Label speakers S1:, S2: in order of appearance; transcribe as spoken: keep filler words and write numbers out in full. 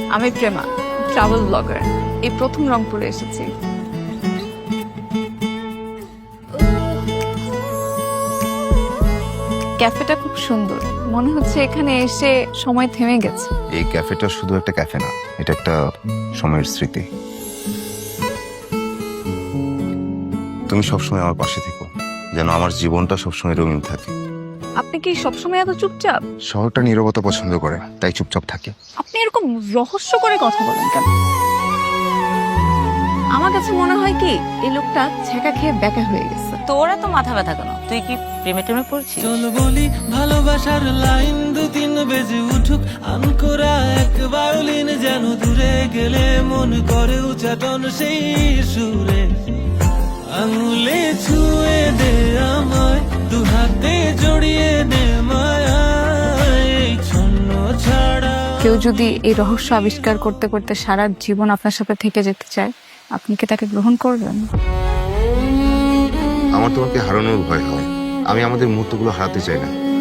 S1: আমি Prema, travel blogger. এই প্রথম রংপুরে এসেছি। ক্যাফেটা খুব সুন্দর, মনে হচ্ছে এখানে এসে সময় থেমে গেছে।
S2: এই ক্যাফেটা শুধু একটা ক্যাফে না, এটা একটা সময়ের স্মৃতি। তুমি সবসময় আমার পাশে থেকো, যেন আমার জীবনটা সবসময় রঙিন থাকে।
S1: আপনি কি সবসময় এত চুপচাপ?
S2: শহরটা নীরবতা পছন্দ করে, তাই চুপচাপ থাকে।
S1: আপনি এরকম রহস্য করে কথা বলেন কেন? আমার কাছে মনে হয় কি এই লোকটা ছেঁকা খেয়ে ব্যাকা হয়ে গেছে।
S3: তোরা তো মাথা ব্যথা কেন? তুই কি প্রেমে টেমে পড়ছিস?
S4: চল বলি ভালোবাসার লাইন দু তিন বেজে উঠুক, আনকোরা এক ভায়োলিন যেন দূরে গেলে মন করে উচ্চাটন সেই সুরে। আঙুলে ছুঁয়ে দে আমায়, দু হাতে জড়িয়ে দে মায়ায়, এই ছন্ন ছাড়া।
S1: কেউ যদি এই রহস্য আবিষ্কার করতে করতে সারা জীবন আপনার সাথে থেকে যেতে চায়, আপনি কি তাকে গ্রহণ করবেন?
S2: আমার তোমাকে হারানোর ভয় হয়, আমি আমাদের মুহূর্তগুলো হারাতে চাই না।